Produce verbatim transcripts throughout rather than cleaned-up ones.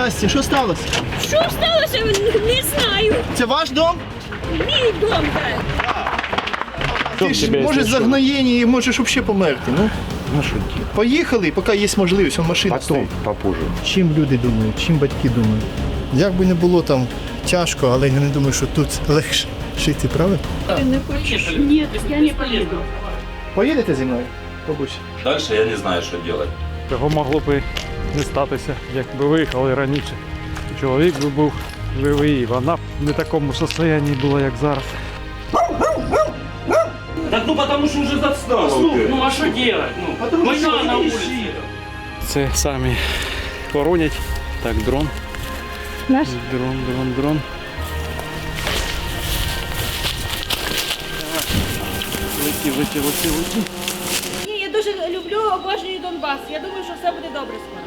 Здрасте, що сталося? Що сталося? Не знаю. Це ваш дом? Мій дом, так. Ти ж може загноєння і можеш взагалі померти. Ну, Ну что делать? поїхали, поки є можливість, он машина Потом, стоїть. попозже. Чим люди думають, чим батьки думають? Як би не було там тяжко, але я не думаю, що тут легше жити, правда? Ти не хочеш? Ні, я не поїду. Поїдете зі мною, бабусь? Дальше я не знаю, що робити. Цього могло б і не статися, якби виїхали раніше. Чоловік би був живий, і вона б не в такому стані була, як зараз. Так ну потому что уже застал. Ну а что делать? Ну, война на улице. Це самі хоронять. Так, дрон. Наш? Дрон, дрон, дрон. Леті, леті, леті, леті. Ні, я дуже люблю, обожнюю Донбас. Я думаю, що все буде добре скоро.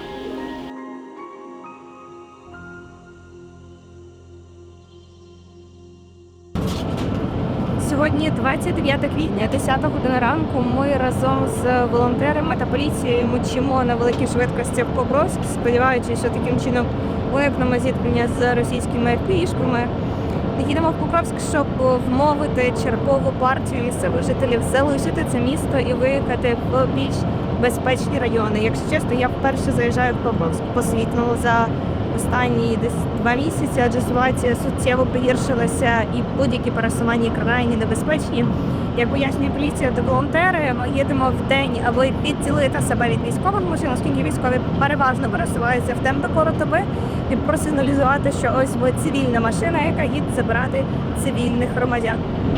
Сьогодні двадцять дев'яте квітня, десята година ранку. Ми разом з волонтерами та поліцією мчимо на великій швидкості в Покровськ, сподіваючись, що таким чином уникнемо зіткнення з російськими еф пі шками. Їдемо в Покровськ, щоб вмовити чергову партію місцевих жителів залишити це місто і виїхати в більш безпечні райони. Якщо чесно, я вперше заїжджаю в Покровськ. Посвітнуло за останні десь два місяці, адже ситуація суттєво погіршилася і будь-які пересування крайні небезпечні. Як пояснює поліція та волонтери, ми їдемо в день, аби відділити себе від військових машин, оскільки військові переважно пересуваються в темпі доби, і просигналізувати, що ось ви цивільна машина, яка їде забирати цивільних громадян.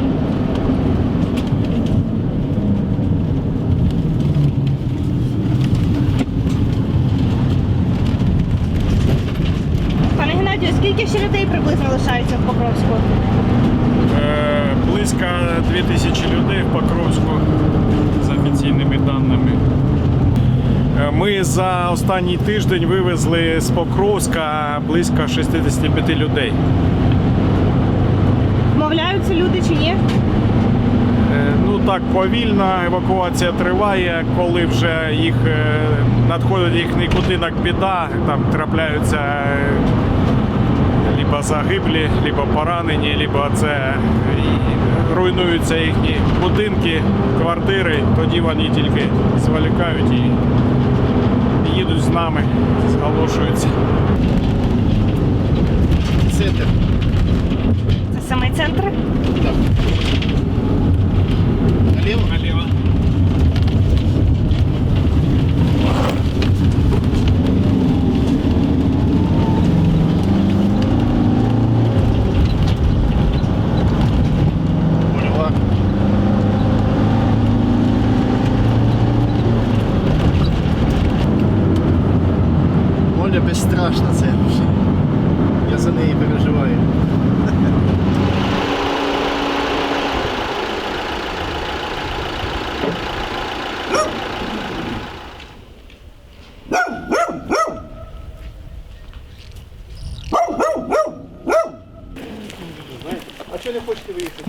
Пане Геннадію, скільки ще людей приблизно лишається в Покровську? Е, близько дві тисячі людей в Покровську, за офіційними даними. Е, Ми за останній тиждень вивезли з Покровська близько шістдесят п'ять людей. Вмовляються люди чи ні? Е, Ну так, повільна евакуація триває, коли вже їх е, надходить їхній будинок біда, там трапляються е, либо загиблі, либо поранені, либо це і руйнуються їхні будинки, квартири, тоді вони тільки зволікають і їдуть з нами, зголошуються. Центр. Це саме центр? Наліво? Наліво. Поняла. Оля безстрашна, це. Я за неї переживаю. А чого не хочете виїхати?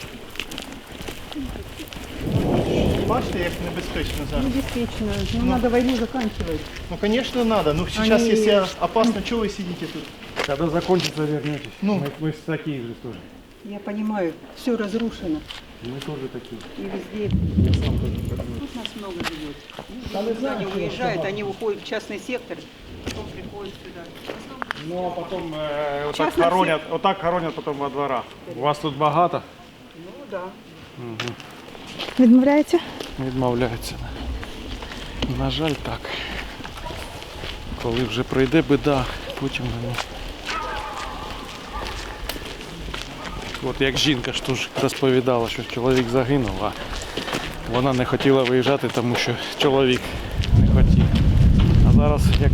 Бачите, як небезпечно зараз? Действительно, ну, надо войну заканчивать. Ну, конечно, надо. Ну, сейчас, Они- если опасно, чего вы сидите тут? Когда закончится, вернетесь. Ну. Мы, мы такие же тоже. Я понимаю, все разрушено. Мы тоже такие. И везде. Тут нас много живет. Люди никуда не уезжают, они уходят в частный сектор, потом приходят сюда. Ну, а потом э, вот, так Частный хоронят, вот так хоронят потом во дворах. У вас тут багато? Ну да. Відмовляється? Відмовляються. На жаль, так. Коли вже прийде біда, потім вони. От як жінка ж теж розповідала, що чоловік загинув, а вона не хотіла виїжджати, тому що чоловік не хотів. А зараз як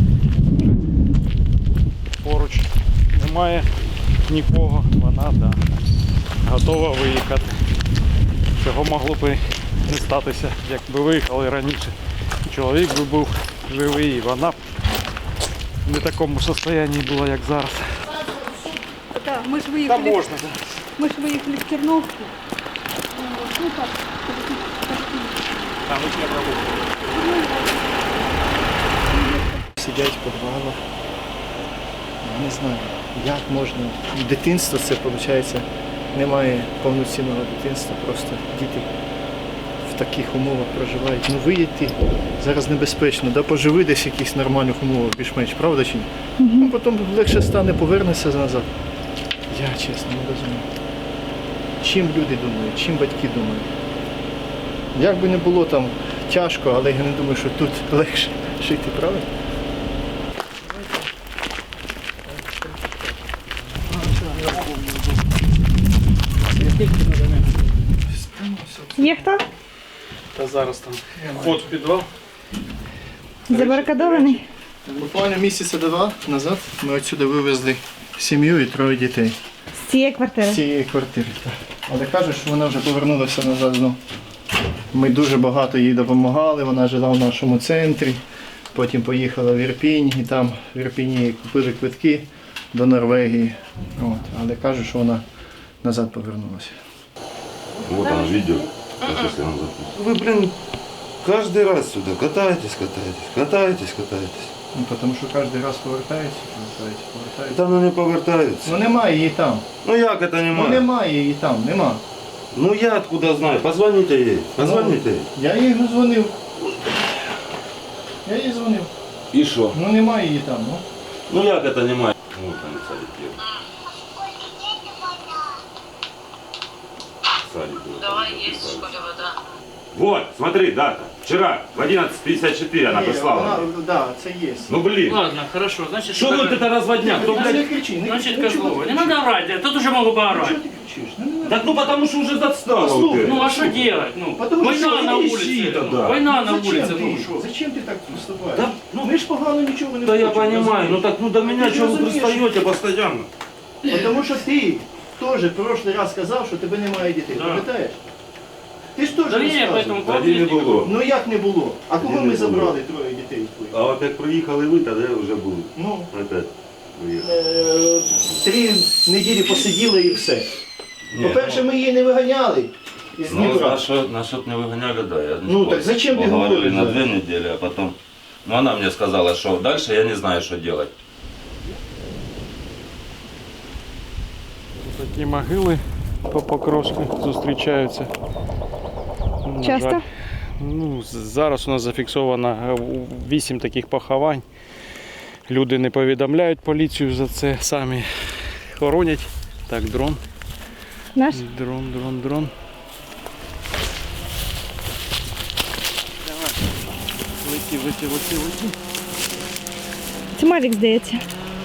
поруч немає нікого, вона да, готова виїхати. Цього могло б і не статися, якби виїхали раніше. Чоловік би був живий, і вона б не в такому стані була, як зараз. Да, мы же Та выехали, можна, так. мы же выехали в Терновку. Вот, ну так, Там і не робити. Сидять в подвалах. не знаю, як можна. Дитинство це, виходить, немає повноцінного дитинства, просто діти в таких умовах проживають. Ну виїдьте, зараз небезпечно, да, поживи десь в якихось нормальних умовах, більш-менш, правда чи ні? Ну потім легше стане, повернешся назад. Я чесно не розумію. Чим люди думають, чим батьки думають. Як би не було там тяжко, але я не думаю, що тут легше жити, правда? Є хто? Та зараз там вход в підвал. Забарикадований? Буквально місяця два назад ми отсюди вивезли сім'ю і троє дітей З цієї квартири? з цієї квартири. Так. Але кажуть, що вона вже повернулася назад знову. Ми дуже багато їй допомагали, вона жила в нашому центрі, потім поїхала в Ірпінь і там в Ірпіні їй купили квитки до Норвегії. От. Але кажуть, що вона назад повернулася. Вот он видео. Сейчас я вам запишу. Вы, блин, каждый раз сюда катаетесь, катаетесь, катаетесь, катаетесь. Ну, тому що кожен раз повертається, повертається, повертається. Та ну не повертаються. Ну немає її там. Ну як это Ну немає? немає її там, нема. Ну я откуда знаю? Позвоните ей, позвоните ей. Я їй не дзвонив. Я їй дзвонив. И что? Ну немає її там, ну. Ну як это немає? Вот он садик едет. Садик. Давай есть в школе вода. Вот, смотри, дата. Вчера в одиннадцать пятьдесят четыре она прислала. Так, да, це є. Ну блин. Ладно, хорошо, значит... Что вот это разводняк? Кто, Не блядь? кричи, не Значит, кричи. Козлова. Не надо орать, я тут уже могу поорать. Чого ти кричиш? Ну, не надо. Так ну потому что уже застала Послушай, вот Ну это. а что делать? Ну, Потому война что на иди улице. ищи ну, тогда. Война на Зачем улице, ти? ну что? Зачем ти так поступаєш? Да, Ну ми ж погано нічого не Да я хочемо, понимаю, розумієш? ну так ну до меня Ты что вы разумеешь? пристаете постоянно? Тому що ти теж в прошлий раз сказав, що тебе немає дітей, Да. пам'ятаєш? Ти ж теж Да не, розказував. поэтому Тоді не було. Ну як не було? А кого Тоді ми не було. забрали троє дітей твоїх? А от як приїхали ви, тоді вже були. Ну, Опять приїхали. е, три неділі посиділи і все. Ні, По-перше, ми її не виганяли із Ну, Дніпра. насчет, насчет не выгоняли, да. Я не Ну, спорю. так зачем ты Поговорили говоришь, на да? две недели, а потом... Ну, она мне сказала, что дальше я не знаю, что делать. Такі могили по Покровську зустрічаються. На Часто? жаль, Ну, з- зараз у нас зафіксовано е, вісім таких поховань. Люди не повідомляють поліцію за це, самі хоронять. Так, дрон, Наш? дрон, дрон, дрон. Лети, лети, лети, лети. Це Мавік, здається.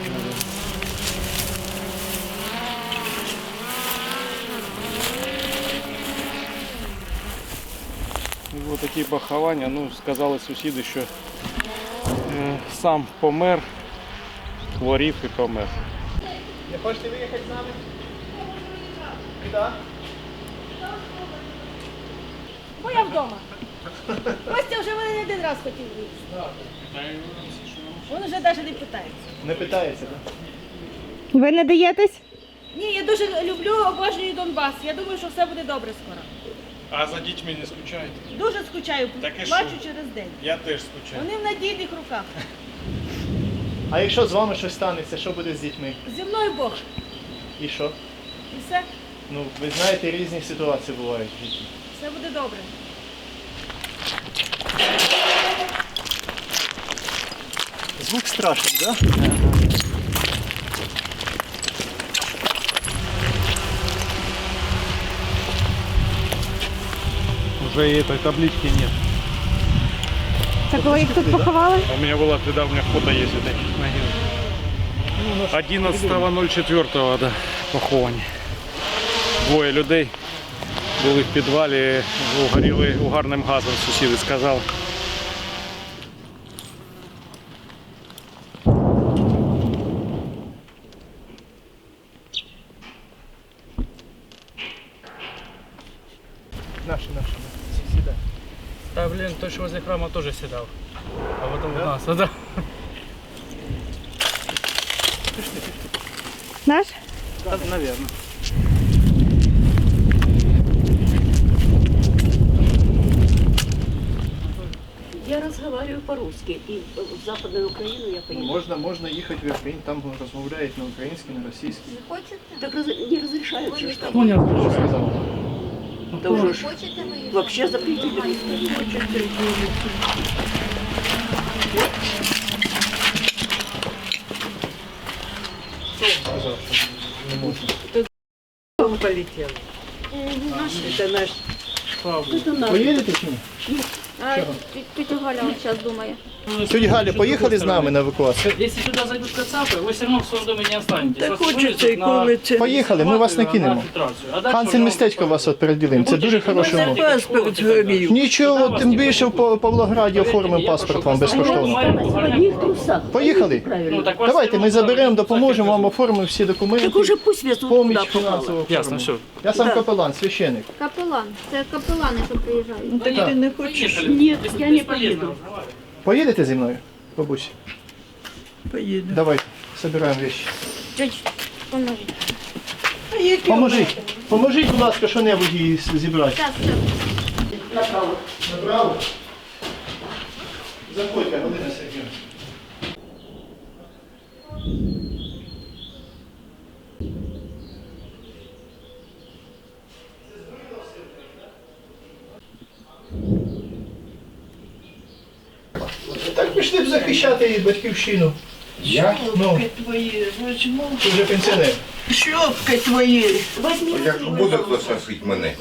Ось такі поховання. Ну, сказали сусіди, що е, сам помер, хворів і помер. Не хочете виїхати з нами? Куди? Бо я вдома. Костя вже мене не один раз хотів вийти. Він вже навіть не питається. Не питається, так? Ви не даєтесь? Ні, я дуже люблю, обожнюю Донбас. Я думаю, що все буде добре скоро. А за дітьми не скучаєте? Дуже скучаю, Так і плачу що? через день. Я теж скучаю. Вони в надійних руках. А якщо з вами щось станеться, що буде з дітьми? Зі мною Бог. І що? І все, Ну, ви знаєте, різні ситуації бувають в житті. все буде добре. Звук страшний, так? Уже и этой таблички нет. Так ви їх тут поховали? У меня была тогда, у меня фото есть вот таких могил. одинадцятого четвертого, да, поховані. Двоє людей були в підвалі, горіли угарним газом, сусіди сказали. Наші, наші, сідай. Да, блин, то, что возле храма тоже седал. А потом у нас, а да. Наш? Да, наверное. Я разговариваю по-русски, и в Западную Украину я поеду. Можна, можна їхати в Україну, там розмовляють на українській, на російській. Так раз- не разрешают же, что Ну, не разрешаю. Сказав. это уже ж вообще запретили. Сказав, що не можна. Он полетел. Это наш. Это наш. Поїдете чи ні? А, тетя Галя зараз думає. Тетя Галя, поїхали з нами на евакуацію? Если сюда зайдут кацапы, вы все равно в своем доме не останетесь. Та Вас хочеться вывезут і на- коли це. Поїхали, ми вас не на кинемо. фильтрацию. А дальше Хансен уже містечко вас от переділимо, це дуже хороший умов. Паспорт згорів. Нічого, тим більше в Пав- Павлограді оформимо паспорт вам безкоштовно. В одних трусах. Поїхали? Правильно. Ну, так вас Давайте ми все равно заберемо, так допоможемо и вам, везут. оформимо всі документи. Так уже пусть везут Поміч туда попало. фінансово. Ясно, оформимо. все. Я сам капелан, священик. Капелан. Це капелани, що приїжджають. Так ти не хочеш? Нет, Бес- я не бесполезно поеду. разговаривать. Поїдете зі мною, бабусь? Поїду. Давайте, збираємо речі. Чуть, поможіть. А які Поможіть, поможіть, будь ласка, що-небудь її з- зібрати. Так, все. Направо. Направо. Заходьте, Галина Сергіївна. Так пішли б захищати її батьківщину. Я? Ну, Шопки твої, возьму. ти вже пенсіонер. Шопки твої. Як буде хтось носить мене?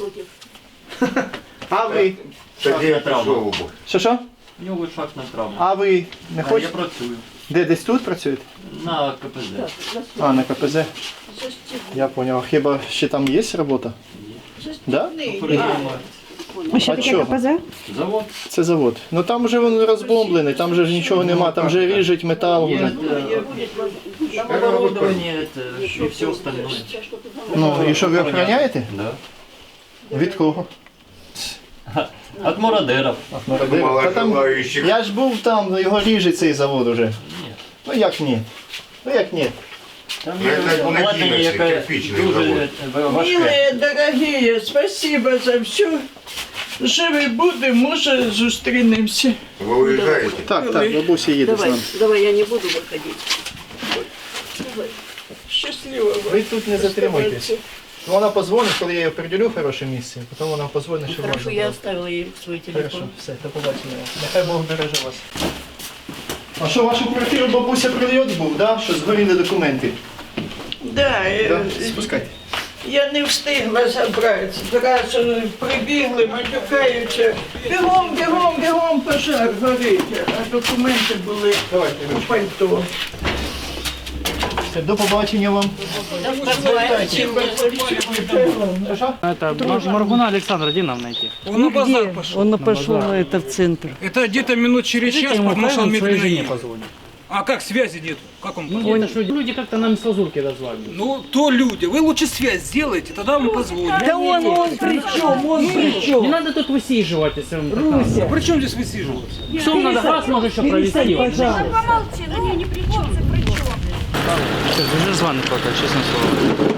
А ви? Тоді я пішов. Що що? У нього шахтна травма. А ви не Я хочете? працюю Де, десь тут працюєте? на КПЗ. А, на КПЗ. Я понял. А хіба ще там є робота? Да? А що таке КПЗ? Завод. Це завод. Ну там вже він розбомблений, там же ж нічого нема, там же ріжуть метал. Є Вже. е, оборудование это, і все остальное. Ну і що ви охороняєте? Да. Від кого? От мародеров. Мало Та там, желаючих. я ж був там, його ріжуть цей завод уже. Ну як ні? Ну як ні? Там Ну, є це обладнання, надійний, яке кирпичний дуже завод. е, важке. Милые, дорогие, спасибо за все. Живі будемо, може зустрінемося. Ви уїжджаєте? Так, так, бабуся їде з Давай, нами. давай, я не буду выходить. Щасливо вам. Ви тут не затримуйтесь. Ну, вона позвонить, коли я її приділю в хороше місце, потім вона позвонить, що Хорошо, можна. я було. оставила ей свой телефон. Хорошо, все, до побачення. Нехай Бог береже вас. А що, вашу квартиру бабуся прильот був, да? Що згоріли документи? Да, е, Да? Спускайте. я не встигла забрати. Зразу прибігли, матюкаються. Бігом, бігом, бігом, пожар горить. А документи були Давайте, у ручку. пальто. Все, до побачення вам. Спасибо, спасибо. Що? Это Мар- Маргуна Александра, где нам найти? Он на базар пошел. Он пошел это в центр. Это где-то минут через час, Ему потому что он правильно своей медленно жене едет. позвонит. А как связи нет? Как он? Ну, где-то ж люди, люди как-то нам с лазурки дозвали. Ну, то люди. Вы лучше связь сделайте, тогда он позвонит. Да он, он при чем, он при Не чем? надо тут высиживать, если вам так надо. Руся, При чем здесь высиживаться? Что вам надо, газ может еще провести? пожалуйста. Помолчи, ну ні, ні при чому, це при чому. Уже звонит пока, честно слово.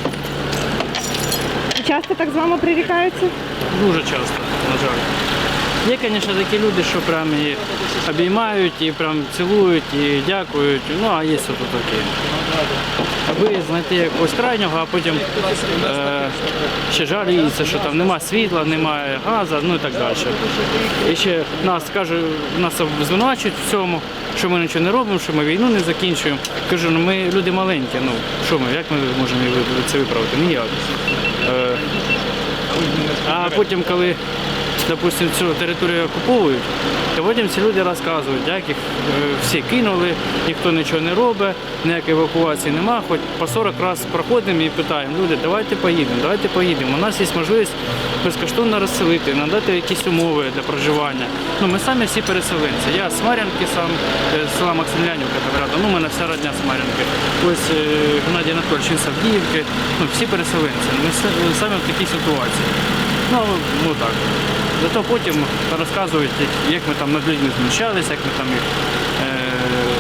Часто так з вами прирікаються? Дуже часто, на жаль. Є, звісно, такі люди, що прям і обіймають, і прям цілують, і дякують. Ну, а є тут такі. Аби знайти якогось крайнього, а потім е, ще жаліються, що там немає світла, немає газу, ну і так далі. І ще нас каже, нас звинувачують в цьому, що ми нічого не робимо, що ми війну не закінчуємо. Кажу, ну ми люди маленькі, ну що ми, як ми можемо це виправити? Ніяк. Е, а потім, коли допустим, цю територію окуповують, то потім ці люди розказують, як їх е, всі кинули, ніхто нічого не робить, ніякої евакуації немає, хоч по сорок разів проходимо і питаємо, люди, давайте поїдемо, давайте поїдемо. У нас є можливість безкоштовно розселити, надати якісь умови для проживання. Ну, ми самі всі переселенці. Я з Мар'янки сам, е, з села Максимлянівка, Каверата, ну, у мене вся родня з Мар'янки. Ось е, Геннадій Анатольович, він з Авдіївки, ну, всі переселенці. Ми с- самі в такій ситуації. Ну, ну так. Зато потім розказують, як ми там над людьми знущалися, як ми там їх е,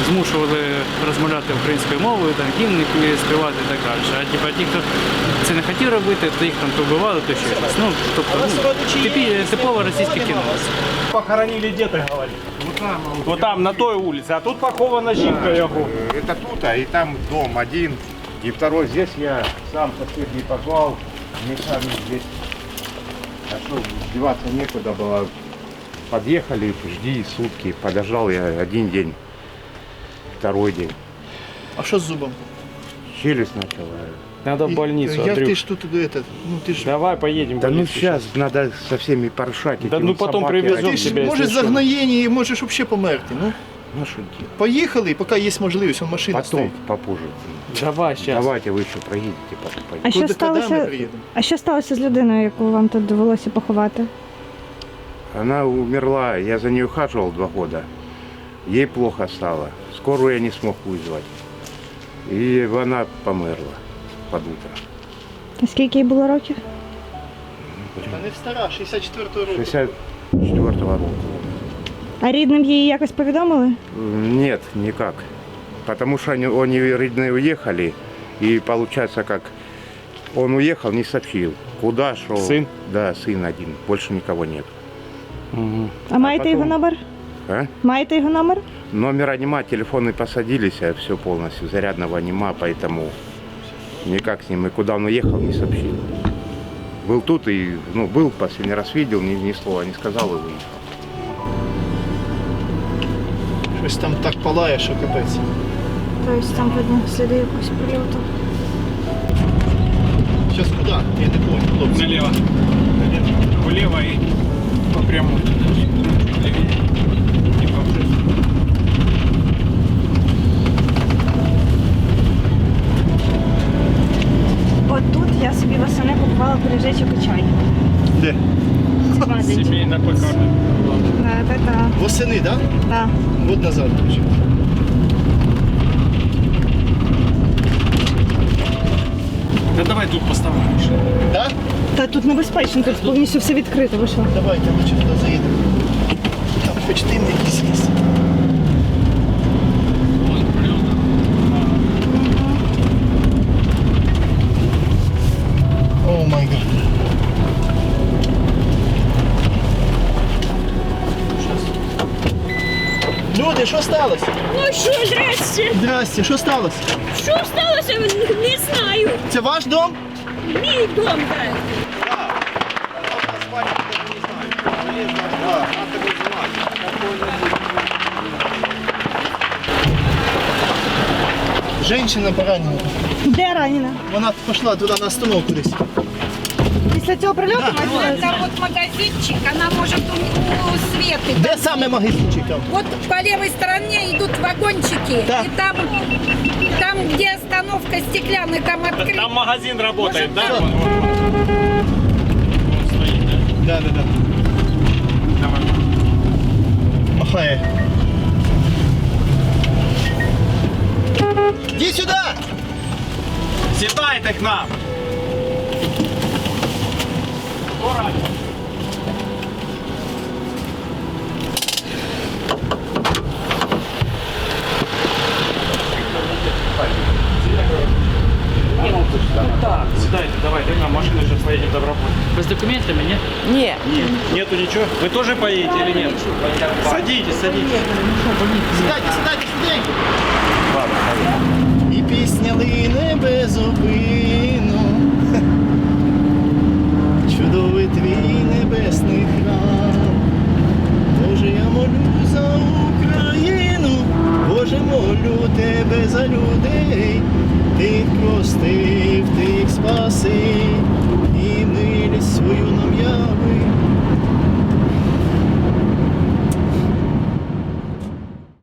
змушували розмовляти українською мовою, там гімни співати і так далі. А типу, ті, хто це не хотів робити, то їх там то вбивали, то ще щось. Ну, тобто, ну, типі, типове російське кіно. Похоронили діти, говорить. Вот там, на той улице, а тут похована жінка його. Это тут, а и там дом один, и второй здесь я сам соседний позвал, мы сами здесь. А что, деваться некуда было. Подъехали, жди сутки, подождал я один день, второй день. А що з зубом? Челюсть начала. Надо в больницу, Як Андрюх. ти ж тут это, ну ти ж... Давай поедем в Да ну больницу сейчас надо со всеми порешать. Да эти ну вот потом собаки, привезем Ти они- ж тебе, можеш якщо що. загноєння і можеш взагалі померти. Ну, Ну что делать? поїхали, поки є можливість, он машина Потом, стоїть. попозже. Давай сейчас. Давайте вы еще проедете, потом А поедете. що Куди, коли ми сталося? приїдемо? А що сталося з людиною, яку вам тут довелося поховати? Она умерла, я за ней ухаживал два года. Ей плохо стало. Скорую я не смог вызвать. И она померла под утро. А скільки їй було років? Та не стара, шістдесят четвертого року. шестьдесят четвёртого року. А рідним її якось повідомили? Нет, никак. Потому что они, они родные уехали. И получается, как он уехал, не сообщил. Куда шел? Сын? Да, сын один. Больше никого нет. Мгм. А маєте потім- його номер? А? Маєте його номер? Номера нема, телефоны посадились, а все полностью. Зарядного нема, поэтому никак с ним. И куда он уехал, не сообщил. Был тут и, ну, был, последний раз видел, ни, ни слова не сказал и выехал. Щось там так палає, що капець. Тобто там видно сліди якогось прильоту. Зараз куди? Я не понял, хлопці. Налево. Влево и по прямой. От тут я собі восени купувала пиріжечок і чай. Де? Це магазин. Семейная пекарня. Да, да, да. Восени, так? Да? Да. Год назад, короче. Да давай тут поставимо. Да? Та тут небезпечно, тут повністю все відкрито, ви що? Давайте лучше туди заїдемо. Там хоч дим якийсь є. О май гад. Люди, що сталося? Ну що, здрасте. Здрасте, що сталося? Що сталося? Не знаю. Це ваш дом? Мій дом, так. Женщина поранена. Де ранена? Вона пішла туди на остановку десь. Після цього прильоту? Это вот магазинчик, она может у, у Светы. Де саме магазинчик там? Вот по левой стороне идут вагончики. Да. И там, там, где остановка стеклянная, там открыто. Там магазин работает, Может, да? там? Вон, вон, вон. Вон стоит, да? Да, да, да. Давай. Махає. Іди сюди! Сідайте к нам. Так, сідайте, давайте к нам, машина сейчас поедем в Доброполье. Без документами, ні? Ні. Нет, нету ничего. Вы тоже поедете или нет? Садитесь, садитесь. Сідайте, сідайте, сідайте! І пісня лине безупину. Чудовий твій небесний храм. Боже, я молю за Україну. Боже, молю тебе за людей. Ти прости